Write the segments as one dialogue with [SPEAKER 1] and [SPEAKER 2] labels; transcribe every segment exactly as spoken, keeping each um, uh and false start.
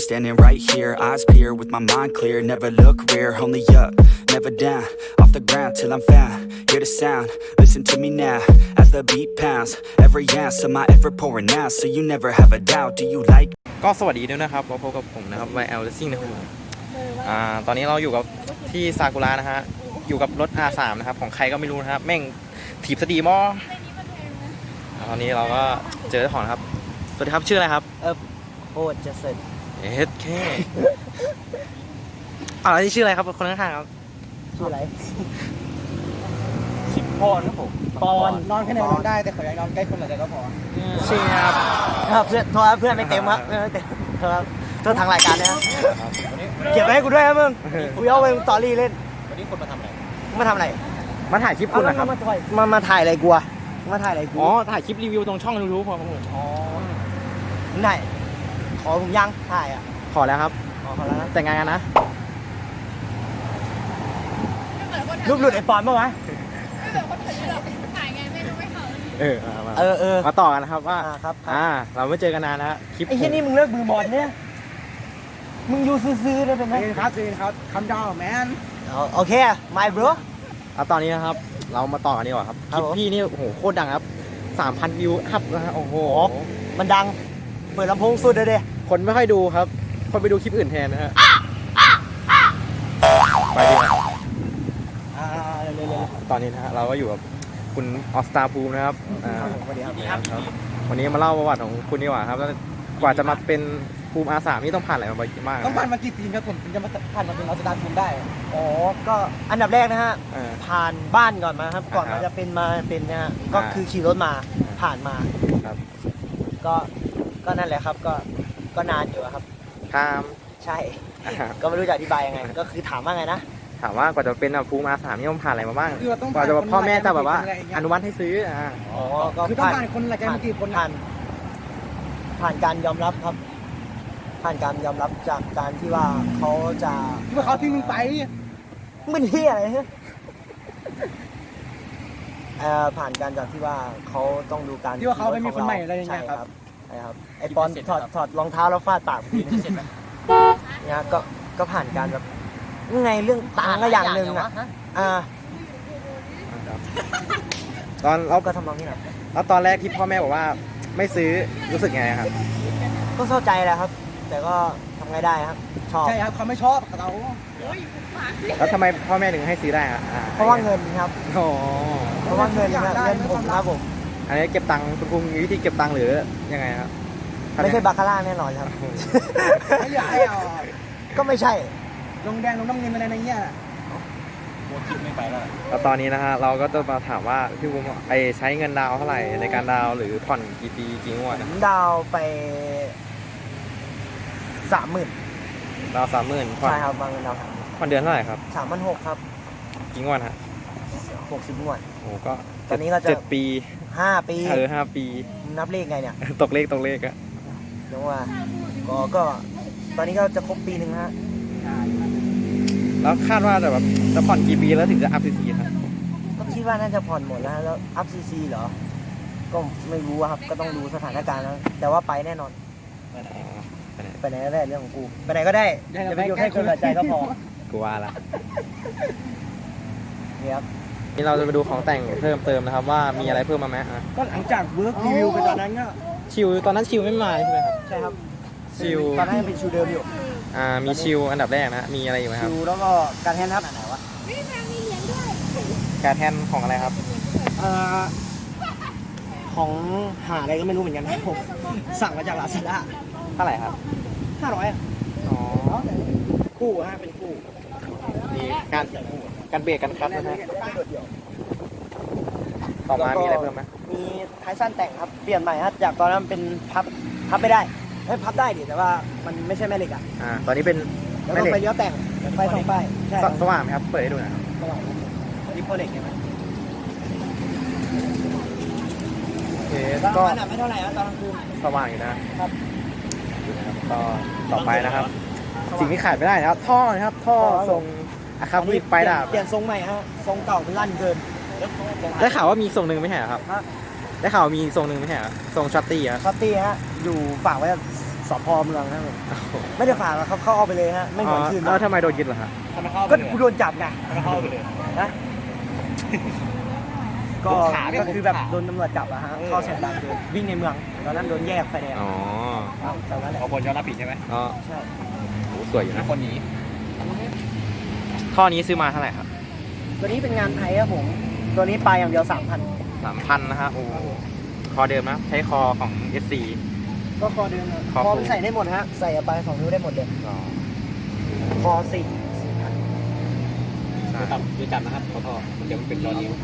[SPEAKER 1] standing right here, eyes peer with my mind clear. Never look rear, only up, never down. Off the ground till I'm found. Hear the sound, listen to me now. As the beat pounds, every ounce of my effort pouring out. So you never have a doubt. Do you like?
[SPEAKER 2] ก็สวัสดีด้วยนะครับพบกับผมนะครับ วาย แอล Racing นะครับอ่าตอนนี้เราอยู่กับที่ซากุระนะฮะอยู่กับรถ อาร์ สาม นะครับของใครก็ไม่รู้นะครับแม่งถีบสตีมอตอนนี้เราก็เจอเจ้าของครับสวัสดีครับชื่ออะไรครับ
[SPEAKER 3] เออโคตรจะเสร็จ
[SPEAKER 2] เอ็ดแค่อ่าที่ชื่ออะไรครับคนข้างๆครับ
[SPEAKER 3] ชื่ออะไร
[SPEAKER 2] ชิปปอนครับผม
[SPEAKER 3] ปอน
[SPEAKER 4] นอนแค่ไหนนอนได้แต่ขออย่านอนใกล้คนหน่อยก็พอ
[SPEAKER 2] ใช่ครับ
[SPEAKER 3] ครับเพื่อนโทรเพื่อนไม่เต็มครับเพื่อนไม่เต็มครับโทษทางรายการนะครับเก็บไว้ให้กูด้วยครับมึงกูเอาไปสตอรี่เล่น
[SPEAKER 4] วันนี้คนมาทำอะไร
[SPEAKER 3] มาทำอะไร
[SPEAKER 2] มาถ่ายคลิปคุณนะครับ
[SPEAKER 3] มามาถ่ายอะไรกูอะมาถ่ายอะไรกู
[SPEAKER 2] อ๋อถ่ายคลิปรีวิวตรงช่องยูทูบพอผม
[SPEAKER 3] อ๋อไหนขอผมยังถ่ายอ่ะ
[SPEAKER 2] ขอแล้วครับ
[SPEAKER 3] ขอแล้ว
[SPEAKER 2] แต่งงานกันนะ
[SPEAKER 3] รูปหลุดไอ้ปอนเมื่อวะ
[SPEAKER 5] ถ่ายไงไม่รู้ไม่เขา
[SPEAKER 2] เออ
[SPEAKER 3] เออเออ
[SPEAKER 2] มาต่อกันนะครับว่า
[SPEAKER 3] ครับ
[SPEAKER 2] อ่าเราไม่เจอกันนานนะคลิป
[SPEAKER 3] ไอ้ที่นี่มึงเลิกมือบอลเนี่ยมึงอยู่ซื้อๆได้เป็นไหม
[SPEAKER 4] ครับซีนครับคำดาวแมน
[SPEAKER 3] โอเค my bro
[SPEAKER 2] เอาตอนนี้นะครับเรามาต่อกันดีกว่าครับคลิปพี่นี่โอ้โหโคตรดังครับสามพันวิวอัพนะฮะโอ้โห
[SPEAKER 3] มันดังเปิดลำโพงสุดเลยเด้
[SPEAKER 2] คนไม่ค่อยดูครับคนไปดูคลิปอื่นแทนนะฮะไปดีกว่าตอนนี้นะฮะเราก็อยู่กับคุณออสตาภูมินะครับ
[SPEAKER 3] สวัสดีครับ
[SPEAKER 2] วันนี้มาเล่าประวัติของคุณดีกว่าครับกว่าจะมาเป็นภูมิ อาร์ สาม นี่ต้องผ่านอะไรมาบ้าง
[SPEAKER 4] ต้องผ่านมากี่ปีครับผมถึงจะมาผ่านมาเป็นออสตาภูมิได้
[SPEAKER 3] อ๋อก็อันดับแรกนะฮะผ่านบ้านก่อนมาครับก่อนมาจะเป็นมาเป็นนะฮะก็คือขี่รถมาผ่านมา
[SPEAKER 2] ครับ
[SPEAKER 3] ก็ก็นั่นแหละครับก็ก็นานอยู่ครับ
[SPEAKER 2] ครับ
[SPEAKER 3] ใช่ก็ไม่รู้จะอธิบายยังไงก็คือถามว่าไงนะ
[SPEAKER 2] ถามว่ากว่าจะเป็นภูมิ อาร์ สาม นี่ต้องผ่านอะไรมาบ้างกว่าจะพ่อแม่จะแบบว่าอนุมัติให้ซื้ออ่า
[SPEAKER 3] อ๋อ
[SPEAKER 4] ก็คือต้องผ่านคนหลายคนกี่คน
[SPEAKER 3] ผ่านผ่านการยอมรับครับผ่านการยอมรับจากการที่ว่าเขาจะ
[SPEAKER 4] ที่ว่าเขาทิ้งมึงไป
[SPEAKER 3] มันเฮียอะไรเนี่ยเอ่อผ่านการจากที่ว่าเขาต้องดูการ
[SPEAKER 4] ที่ว่าเขาไม่มีคนใหม่อะไรอย่างเงี้ยครับ
[SPEAKER 3] ใช่ครับไอปอนถอดถอดรองเท้าแล้วฟาดปากพี่เสร็จไหมเนี่ยก็ก็ผ่านการแบบไงเรื่องต่างก็อย่างหนึ่งอ่ะอ่า
[SPEAKER 2] ตอนเรา
[SPEAKER 3] ก็ทำนองนี้แหละ
[SPEAKER 2] แล้วตอนแรกที่พ่อแม่บอกว่าไม่ซื้อรู้สึกไงครับ
[SPEAKER 3] ก็เข้าใจแหละครับแต่ก็ทำไงได้ครับชอบ
[SPEAKER 4] ใช่ครับเขาไม่ชอบเรา
[SPEAKER 2] แล้วทำไมพ่อแม่ถึงให้ซื้อได้อะ
[SPEAKER 3] เพราะว่าเงินครับ
[SPEAKER 2] อ๋อ
[SPEAKER 3] เพราะว่าเงินเงินผมครับผม
[SPEAKER 2] อันนี้เก็บตังค์คุณครูมีวิธีเก็บตังค์หรือยังไงครับ
[SPEAKER 3] ไม่ใช่บาคาร่าแน่นอนครับ
[SPEAKER 4] ไม่อยากให้เอา
[SPEAKER 3] ก็ไม่ใช่
[SPEAKER 4] ลงแดงลงน้ำเงินอะไรในเงี้ยโมจิไม่ไปแล้ว
[SPEAKER 2] แล้วตอนนี้นะฮะเราก็จะมาถามว่าพี่บุ้มไอใช้เงินดาวเท่าไหร่ในการดาวหรือผ่อนกี่ปีกี่งวด
[SPEAKER 3] ดาวไปสามหมื่น
[SPEAKER 2] ดาวสามหมื่น
[SPEAKER 3] ใช่ครับวางเงินดาว
[SPEAKER 2] ผ่อนเดือนเท่าไหร่ครับ
[SPEAKER 3] สามพันหกครับ
[SPEAKER 2] กี่งวดฮะ
[SPEAKER 3] หกสิบงวด
[SPEAKER 2] โอ้ก็
[SPEAKER 3] ตอนนี้ก็จะ
[SPEAKER 2] เจ็ดปี
[SPEAKER 3] ห้าปี
[SPEAKER 2] เออห้าปี
[SPEAKER 3] นับเลขไงเนี่ย
[SPEAKER 2] ตกเลขตกเลขอะ
[SPEAKER 3] เรียกว่าก็ก็ตอนนี้ก็จะครบปีหนึ่งฮะ
[SPEAKER 2] แล้วคาดว่าจะแบบจะผ่อนกี่ปีแล้วถึงจะอัพซีซีครับ
[SPEAKER 3] ก็คิดว่าน่าจะผ่อนหมดแล้วแล้วอัพซีซีเหรอก็ไม่รู้ครับก็ต้องดูสถานการณ์แล้วแต่ว่าไปแน่นอนไปไหนก็ได้เรื่องของกูไปไหนก็ได้อย่าไปยุ่งให้คนละใจก็พอ
[SPEAKER 2] กูว่าละ
[SPEAKER 3] นี่ครับ
[SPEAKER 2] นี่เราจะไปดูของแต่งเพิ่มเติมนะครับว่ามีอะไรเพิ่มมาไหม
[SPEAKER 4] ก็หลังจากเวิร์กรีวิวไปตอนนั้นก็
[SPEAKER 2] ชิวตอนนั้นชิวไม่มาใช่ไหมครับ
[SPEAKER 3] ใช่ครับ
[SPEAKER 2] ชิว
[SPEAKER 3] ตอนนั้นยังเป็นชิวเดิมอยู่
[SPEAKER 2] อ่ามีชิวอันดับแรกนะมีอะไรอยู่ไหมครับ
[SPEAKER 3] ชิวแล้วก็การแทนครับไหนวะ
[SPEAKER 2] การแทนของอะไรครับ
[SPEAKER 3] เอ่อของหาอะไรก็ไม่รู้เหมือนกันนะผมสั่งมาจากลาซาด้า
[SPEAKER 2] เท่าไหร่ครับ
[SPEAKER 3] ห้าร้อย
[SPEAKER 2] อ๋อ
[SPEAKER 3] คู่ฮะเป็นคู่
[SPEAKER 2] มีการการเบรกกันครับนะฮะต่อมามีอะไรเพิ่มไหม
[SPEAKER 3] มีท้ายสั้นแต่งครับเปลี่ยนใหม่ครับจากตอนนั้นเป็นพับพับไม่ได้ไม่พับได้ดิแต่ว่ามันไม่ใช่แม่เหล็กอ่ะ
[SPEAKER 2] อ่าตอนนี้เป็น
[SPEAKER 3] แม่เหล็กไฟเลี้ยวแต่งไฟสองไฟ
[SPEAKER 2] ใช่สว่างไหมครับเปิดให้ดูหน่อย
[SPEAKER 3] สว่างนี่โปรเล็กใช่ไหม
[SPEAKER 2] โอเค
[SPEAKER 3] ก็ไม่เท่าไหร่นะตอนกลางคืน
[SPEAKER 2] สว่างอยู่นะครับก็ต่อไปนะครับสิ่งที่ขาดไม่ได้นะครับท่อนะครับท่อทรงอะครับนี่ไปดาบ
[SPEAKER 3] เปลี่ยนทรงใหม่ฮะทรงเก่ามันลั่นเกิน
[SPEAKER 2] ได้ข่าวว่ามีทรงหนึ่งไม่ใช่ครับได้ข่าวมีทรงหนึ่งไม่ใช่ทรงช็อตตี้
[SPEAKER 3] อะช็อตตี้ฮะอยู่ฝากไว้สพเมืองนะครับผมไม่ได้ฝากหรอกครับเข้าเอาไปเลยฮะไม่เหมือนคืน
[SPEAKER 2] แล้วทำไมโดนยึดเหรอฮะ
[SPEAKER 4] ทำไมเข้า
[SPEAKER 3] ก็กูโดนจับไง
[SPEAKER 4] ทำไมเข้าไปเลย
[SPEAKER 3] นะก็ก็คือแบบโดนตำรวจจับอะฮะเข้าเส้นทางเดินวิ่งในเมืองตอนนั้นโดนแยกไฟแดง
[SPEAKER 2] อ๋อ
[SPEAKER 3] ครับแต่ว่าแหละ
[SPEAKER 4] เอาคนยอมรับผิดใช่ไหม
[SPEAKER 2] ก็
[SPEAKER 3] ใช่
[SPEAKER 2] โหสวยอยู่นะ
[SPEAKER 4] คนหนี
[SPEAKER 2] ท่อนี้ซื้อมาเท่าไหร่ครับ
[SPEAKER 3] ตัวนี้เป็นงานไทยครับผมตัวนี้ปลายอย่างเดียวสามพัน
[SPEAKER 2] สามพันนะฮะโอ้คอเดิมนะใช้คอของ เอส ซี
[SPEAKER 3] ก็คอเดิมนะ
[SPEAKER 2] คอ
[SPEAKER 3] คอ
[SPEAKER 2] ฟู
[SPEAKER 3] ใส่ได้หมดฮะใส่ปลายสองนิ้วได้หมดเลย
[SPEAKER 2] อ๋อ
[SPEAKER 3] คอสี่
[SPEAKER 2] ใช่
[SPEAKER 4] จับดูจับนะครับขอโทษเดี๋ยวมันเป็นรอยนิ้ว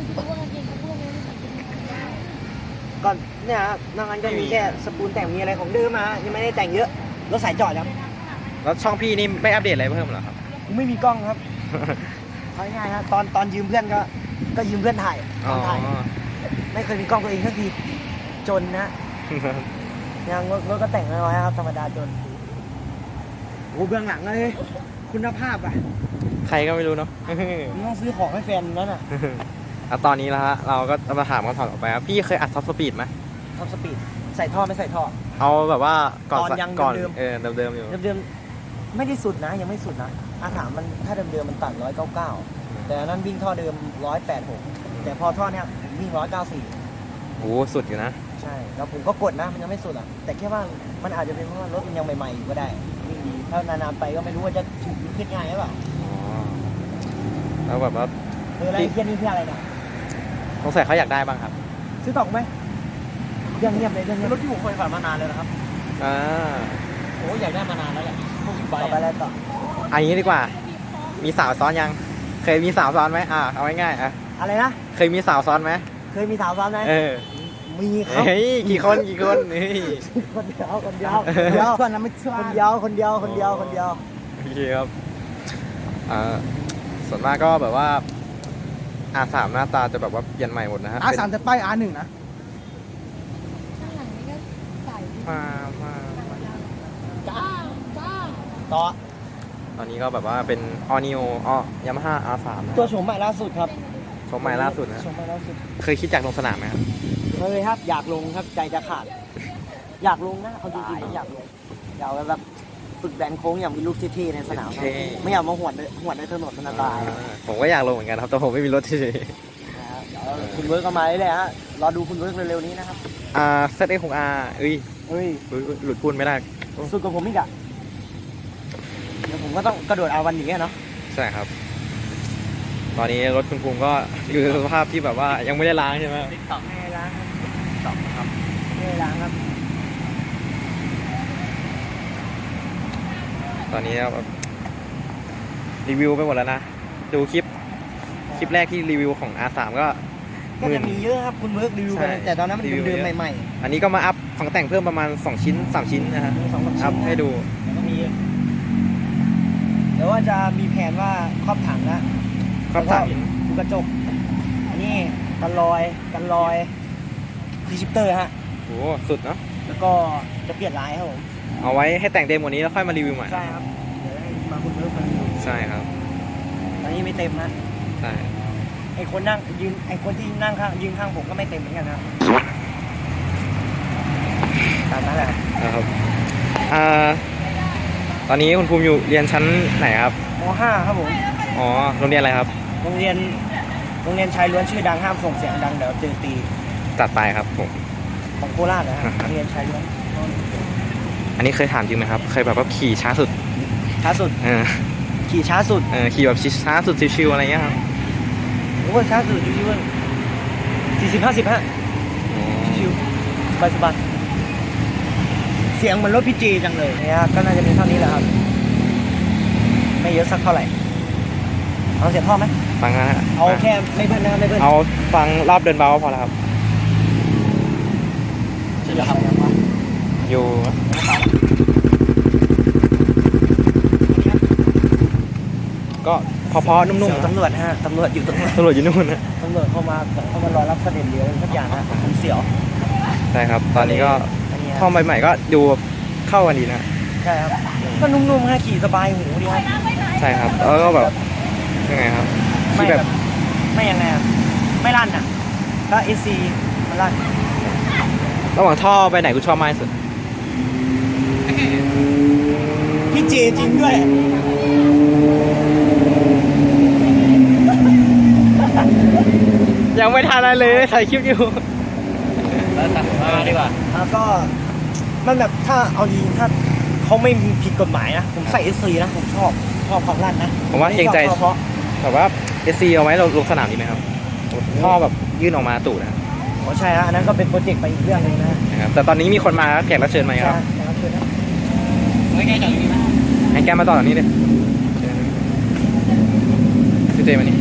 [SPEAKER 3] ก่อนเนี่ยฮะนอกนั้นก็มีแค่สปูนแต่งมีอะไรของเดิมมาฮะยังไม่ได้แต่งเยอะรถสายจอดครับ
[SPEAKER 2] แล้วช่องพี่นี่ไม่อัปเดตอะไรเพิ่มเหรอครับ
[SPEAKER 3] กูไม่มีกล้องครับเอาง่ายๆฮะตอนตอนยืมเพื่อนก็ก็ยืมเพื่อนถ่ายต
[SPEAKER 2] อ๋อ
[SPEAKER 3] อนถ่ายไม่เคยมีกล้องตัวเองสักทีจนนะยังรถรถก็แต่งน้อยๆครับธรรมดาจนโอ้เบื้องหลังเลยคุณภาพอ่ะ
[SPEAKER 2] ใครก็ไม่รู้เนาะ
[SPEAKER 3] มึงต้องซื้อของให้แฟนนั่นน่ะ
[SPEAKER 2] แล้วตอนนี้แล้วฮะเราก็จะมาถามคำถามต่อไปครับพี่เคยอัดท็อปสปีดไหม
[SPEAKER 3] ท็อปสปีดใส่ท่อไม่ใส่ท่อ
[SPEAKER 2] เอาแบบว่าก่อน
[SPEAKER 3] ตอนยัง
[SPEAKER 2] ก่อน
[SPEAKER 3] เดิมๆ
[SPEAKER 2] เออเดิมๆอยู่
[SPEAKER 3] เดิมๆไม่ได้สุดนะยังไม่สุดนะอาถามมันถ้าเดิมๆมันตัดร้อยเก้าเก้าแต่อันนั้นวิ่งท่อเดิมร้อยแปดหกแต่พอท่อเนี้ยวิ่งร้อยเก้าสี่
[SPEAKER 2] โอ้สุดอยู่นะ
[SPEAKER 3] ใช่แล้วผมก็กดนะมันยังไม่สุดอ่ะแต่แค่ว่ามันอาจจะเป็นเพราะว่ารถมันยังใหม่ๆอยู่ก็ได้วิ่งดีถ้านานๆไปก็ไม่รู้ว่าจะถูกขึ้นง่ายหรือเปล่า
[SPEAKER 2] อ๋อแล้วแบบว่า
[SPEAKER 3] เอออะไรเพี้ยนี่เพื่ออะไรเนี่ย
[SPEAKER 2] สงสัยเขาอยากได้บ้างครับ
[SPEAKER 3] ซื้อต่อไหมเรื่องเงียบเลยเรื่องเงียบ
[SPEAKER 4] รถที่ผมเคยผ่านมานานเลยนะครับ
[SPEAKER 2] อ่า
[SPEAKER 4] โอ้อยากได้มานานแล้วแหละพวกบิ๊กไบ
[SPEAKER 3] ต่อ
[SPEAKER 4] ค์
[SPEAKER 3] ไปแล้วต่อ
[SPEAKER 2] อันนี้ดีกว่า มีสาวซ้อนยัง เคยมีสาวซ้อนไหมอ่าเอาง่ายๆอ่ะ
[SPEAKER 3] อะไรนะ
[SPEAKER 2] เคยมีสาวซ้อนไหม
[SPEAKER 3] เคยมีสาวซ้อนไหม
[SPEAKER 2] เออ
[SPEAKER 3] มีครับ
[SPEAKER 2] เฮ้ยกี่คนกี่คนเฮ้ย
[SPEAKER 3] คนเดียวคนเดียวคนเดียว
[SPEAKER 4] ส่วนนั้นไม่เชื่อ
[SPEAKER 3] คนเดียวคนเดียวคนเดียวคนเดียว
[SPEAKER 2] โอเคครับอ่าส่วนมากก็แบบว่า อาสามหน้าตาจะแบบว่าเปลี่ยนใหม่หมดนะฮะ
[SPEAKER 4] อาสามจะป้ายอาร์หนึ่งนะ
[SPEAKER 5] ข้างหลังนี่ก็ใส่
[SPEAKER 2] มามามา
[SPEAKER 3] จ้าจ้าต่อ
[SPEAKER 2] ตอนนี้ก็แบบว่าเป็นออนิโออ๋อยามาฮ่าอาร์สามนะ
[SPEAKER 3] ตัวโฉมใหม่ล่าสุดครับ
[SPEAKER 2] ชมใหม่ล่าสุดนะ
[SPEAKER 3] โฉมใหม่ล่าสุด
[SPEAKER 2] เคยคิดจากลงสนามไหมครับ
[SPEAKER 3] เคยครับอยากลงครับใจจะขาด อยากลงนะเอาจริงๆอยากลงอยากแบบฝึกแบนโค้งอย่างมีลูกเท่ๆในสนามครับไม่อยากมาหวดในหวดในถนนมันอันตราย
[SPEAKER 2] ผมก็อยากลงเหมือนกันครับแต่ผมไม่มีรถที่
[SPEAKER 3] นะครับเดี๋ยวคุณเวิร์กก็มาเรื่อยๆฮะรอดูคุณเวิร์กเร็วๆนี้นะครับ
[SPEAKER 2] อ่าเซตเอของอาเอ้ย
[SPEAKER 3] เฮ้ย
[SPEAKER 2] อุ๊ยอุ๊ยหลุดพูดไม่ได้
[SPEAKER 3] สุดกว่าผมอีกอะเดี๋ยวผมก็ต้องกระโดดเอาวันนี้อะเนาะ
[SPEAKER 2] ใช่ครับ ตอนนี้รถคุณภูมิก็อยู่ในสภาพที่แบบว่ายังไม่ได้ล้างใช่ไหม
[SPEAKER 4] ติ๊กต็อก
[SPEAKER 3] ไม่ได้ล้างครับครับไม่ได้ล้างครับ
[SPEAKER 2] ตอนนี้แบบรีวิวไปหมดแล้วนะ ดูคลิป คลิปแรกที่รีวิวของ อาร์ สาม ก็
[SPEAKER 3] ก็
[SPEAKER 2] หมื่
[SPEAKER 3] จะ
[SPEAKER 2] น
[SPEAKER 3] มีเยอะครับคุณเวิร์กรีวิว
[SPEAKER 2] ใช่
[SPEAKER 3] กันแต่ตอนนั้นมัน
[SPEAKER 2] รีวิว
[SPEAKER 3] เดิม
[SPEAKER 2] เยอะ
[SPEAKER 3] ๆใหม่
[SPEAKER 2] อันนี้ก็มาอัพของแต่งเพิ่มประมาณสองชิ้นสามชิ้นนะฮะ
[SPEAKER 3] ๆมีสองสาม
[SPEAKER 2] อั
[SPEAKER 3] ชิ้
[SPEAKER 2] พ
[SPEAKER 3] นนะ
[SPEAKER 2] ให้ดู
[SPEAKER 3] แล้วก็มีเดี๋ยวว่าจะมีแผนว่าครอบถังนะ
[SPEAKER 2] ครอบสามชิ้น
[SPEAKER 3] ดูกระจกอันนี้กันรอยกันรอยพรีชิปเตอร์ฮะ
[SPEAKER 2] โอ้โหสุดเนาะ
[SPEAKER 3] แล้วก็จะเปลี่ยนลายครับผม
[SPEAKER 2] เอาไว้ให้แต่งเต็มกว่านี้แล้วค่อยมารีวิวใหม่
[SPEAKER 3] ใช่ครับเดี๋ยวให้มาคุณเวิร์กมาดู
[SPEAKER 2] ใช่ครับ
[SPEAKER 3] ตอนนี้ไม่เต็มนะ
[SPEAKER 2] ใช่
[SPEAKER 3] ไอคนนั่งยืนไอคนที่นั่งข้างยืนข้างผมก็ไม่เต็มเหมือนกันนะตามนั้นแหละ
[SPEAKER 2] นะครับอ่าตอนนี้คุณภูมิอยู่เรียนชั้นไหนครับ
[SPEAKER 3] ม ห้าครับผม
[SPEAKER 2] อ๋อ โรงเรียนอะไรครับ
[SPEAKER 3] โรงเรียนโรงเรียนชายล้วนชื่อดังห้ามส่งเสียงดังเดี๋ยวเจอตี
[SPEAKER 2] ตัดไปครับผม
[SPEAKER 3] ของโคราชนะฮะโรงเรียนชายล้วน
[SPEAKER 2] อันนี้เคยถามจริงไหมครับ เคยแบบว่าขี่ช้าสุด
[SPEAKER 3] ช้าสุด
[SPEAKER 2] เออ
[SPEAKER 3] ขี่ช้าสุด
[SPEAKER 2] เออขี่แบบช้าสุดชิวๆอะไรเงี้ยครับ
[SPEAKER 3] โอ้ช้าสุดอยู่ที่ว่าสี่สิบห้าสิบฮะชิวสบายสบายเสียงเหมือนรถพี่จีจังเลยเนี่ยก็น่าจะมีเท่านี้แหละครับ ไม่เยอะสักเท่าไหร่เอาเสียงท่อไหม
[SPEAKER 2] ฟังนะฮะ
[SPEAKER 3] เอาแค่ไม่เบิ้ลนะครับไม่เบิ้ล
[SPEAKER 2] เอาฟังรอบเดินเบาก็พอแล้วครับ
[SPEAKER 3] จะทำยังไง
[SPEAKER 2] อยู่ ก็พอๆนุ่ม
[SPEAKER 3] เสียง
[SPEAKER 2] ๆนะ
[SPEAKER 3] ตำรวจฮะตำรวจอยู่ตรงนั้น
[SPEAKER 2] ตำรวจอยู่นู่นนะ
[SPEAKER 3] ตำรวจเข้ามาเข้ามารอรับเสด็จเรืออะไรสักอย่างฮะผมเสียว
[SPEAKER 2] ใช่ครับ ตอนนี้ก็
[SPEAKER 3] อันนี้
[SPEAKER 2] ท่อใหม่ๆก็ดูเข้ากันดีนะ
[SPEAKER 3] ใช่ครับก็นุ่มๆฮะขี่สบายหูดีครับ
[SPEAKER 2] ใช่ครับ แล้วก็แบบยังไงครับ
[SPEAKER 3] ไม่
[SPEAKER 2] ที่
[SPEAKER 3] แบ
[SPEAKER 2] แบบ บ
[SPEAKER 3] ไม่ยังไงอะไม่ลั่นอ่ะก็เอซีมันลั่น
[SPEAKER 2] ระหว่างท่อไปไหนกูชอบมากที่สุด
[SPEAKER 3] ท
[SPEAKER 4] เจจริงด้วย
[SPEAKER 2] ยังไม่ทันอะไรเลยถ่ายคลิปอยู่
[SPEAKER 3] แล้วตัดมาดีกว่าแล้วก็มันแบบถ้าเอาดีถ้าเขาไม่ผิดกฎหมายนะผมใส่เอสซีนะผมชอบชอบความลั่นนะ
[SPEAKER 2] ผมว่าเกรงใจ
[SPEAKER 3] ชอบเพราะ
[SPEAKER 2] แบบว่าเอซีเอาไว้เราลงสนามดีไหมครับท่อแบบยื่นออกมาตูดนะ
[SPEAKER 3] อ๋อใช่ฮะอันนั้นก็เป็นโปรเจกต์ไปอีกเรื่องหนึงนะ
[SPEAKER 2] นะครับแต่ตอนนี้มีคนมาแขกรับเชิญไหมครับ
[SPEAKER 3] ใช่ครับคือนะ
[SPEAKER 4] ไม่แก้จากนี้นะ
[SPEAKER 2] ให้แกมาต่อจากนี้เลยพี่เจมานี่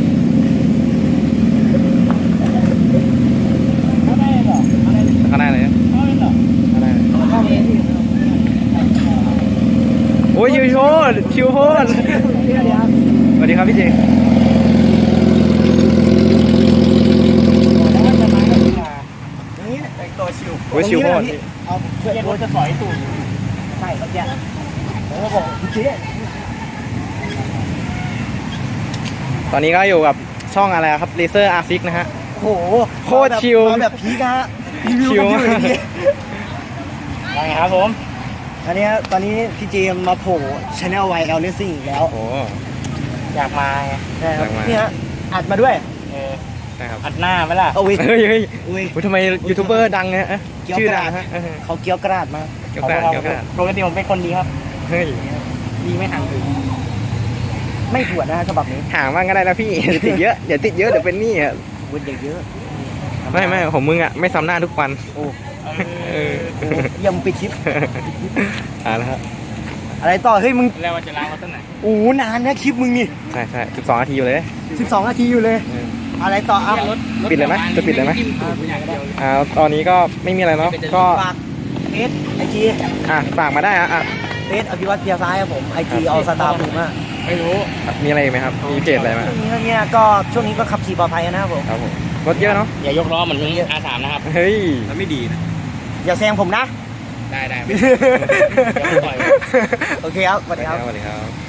[SPEAKER 4] ไม่ได้หรออะไร
[SPEAKER 2] ข้างหน้าเลยนะ
[SPEAKER 4] ไม่ได้หรอ
[SPEAKER 2] ข้างหน้าเลย
[SPEAKER 3] เข้าไปที่
[SPEAKER 2] โอ้ยชิวโชดชิวโพด
[SPEAKER 3] เดี๋ยวครับ
[SPEAKER 2] สวัสดีครับพี่เจ
[SPEAKER 4] แล้วมันจะมาก็ขึ้นมา
[SPEAKER 3] อย่างนี้แต่งตัวชิว
[SPEAKER 2] โอ้ยชิวโพด
[SPEAKER 4] เอาเพื่อนรถจะสอยตูด
[SPEAKER 3] ใช่ครับเนี่ยผมก็บอกคุณเจ๊
[SPEAKER 2] ตอนนี้ก็อยู่กับช่องอะไรครับเลเซอร์อาร์ซิกนะฮะ
[SPEAKER 3] โอ้โห
[SPEAKER 2] โคตรชิล
[SPEAKER 3] มาแบบพีกฮะรีวิว
[SPEAKER 2] ชิล
[SPEAKER 3] กันอยู่อย่างนี้
[SPEAKER 4] ว่าไงครับผม
[SPEAKER 3] อันนี้ตอนนี้พี่เจมมาโผล่ชาแนลไวแอลเลสซิ่งอีกแล้ว
[SPEAKER 2] โอ้
[SPEAKER 4] อยากมาไง
[SPEAKER 3] ใช่ครับ
[SPEAKER 2] อยากมา
[SPEAKER 3] นี่ฮะอัดมาด้วย
[SPEAKER 4] เออ
[SPEAKER 2] ใช่ครับ
[SPEAKER 4] อัดหน้าไหมล่ะ
[SPEAKER 3] เอาวิ
[SPEAKER 2] เฮ้ยเฮ้ย
[SPEAKER 3] อุ้ย
[SPEAKER 2] อุ๊ยทำไมยูทูบเบอร์ดังเนี่ยอะ
[SPEAKER 3] เกี่ยว
[SPEAKER 2] ชื่อก
[SPEAKER 3] ระ
[SPEAKER 2] ดั
[SPEAKER 3] ดาง ษ
[SPEAKER 2] ฮะเออ
[SPEAKER 3] เขาเกี้ยวกระดาษมา
[SPEAKER 2] เกี่ยวกระดาษเกี่ยวกระดาษ
[SPEAKER 4] ปกติผมเป็นคนดีครับ
[SPEAKER 2] เฮ้ย
[SPEAKER 4] ดีไม่ห่างถึง
[SPEAKER 3] ไม่ถวดนะฮะฉบับนี้
[SPEAKER 2] ห่างบ้างก็ได้นะพี่ เดี๋ยวติดเยอะเดี๋ยวติดเยอะเดี๋ยวเป็นหนี้อ่ะ
[SPEAKER 3] วุ้นเยอะ
[SPEAKER 2] ไม่ไม่ของมึงอ่ะไม่ซ้ำหน้าทุกวัน
[SPEAKER 3] ๆโอ้
[SPEAKER 2] เออ
[SPEAKER 3] โหยังปิดคลิป
[SPEAKER 2] อ่าแล้วครับ
[SPEAKER 3] อะไรต่อเฮ้ยมึง
[SPEAKER 4] แล้วว่าจะล้างเขาตั้งไหน
[SPEAKER 3] โอ้โหนานนะคลิปมึงนี่
[SPEAKER 2] ใช่ใช่สิบสองนาทีอยู่เลย
[SPEAKER 3] สิบสองนาทีอยู่เลย
[SPEAKER 2] เออ
[SPEAKER 3] อะไรต่ออ่ะ
[SPEAKER 2] ปิดเลยไหมจะปิดเลยไหม
[SPEAKER 4] จิ้มตูดอย่างเดียว
[SPEAKER 2] อ่าตอนนี้ก็ไม่มีอะไรเนาะก็
[SPEAKER 3] ฝากเฟซไอจี
[SPEAKER 2] อ่ะฝากมาได้อ่ะอ่ะ
[SPEAKER 3] เฟซอภิวัตเพียซ้ายครับผมไอจีเอาสตาร์บูมาก
[SPEAKER 4] ไม่รู้
[SPEAKER 2] มีอะไรอีกไหมครับมีเพจอะไรไหม
[SPEAKER 3] ช่วงนี้เนี่ยก็ช่วงนี้ก็ขับขี่ปลอดภัยนะครับผม
[SPEAKER 2] ครับผมรถเยอะเนาะ
[SPEAKER 4] อย่ายกล้อเหมือนอาสามนะครับ
[SPEAKER 2] เฮ้ย
[SPEAKER 4] มันไม่ดีนะ
[SPEAKER 3] อย่าแซงผมนะ
[SPEAKER 4] ได้ได้
[SPEAKER 3] โอเคครับสวัสดีครับ
[SPEAKER 2] สวัสดีครับ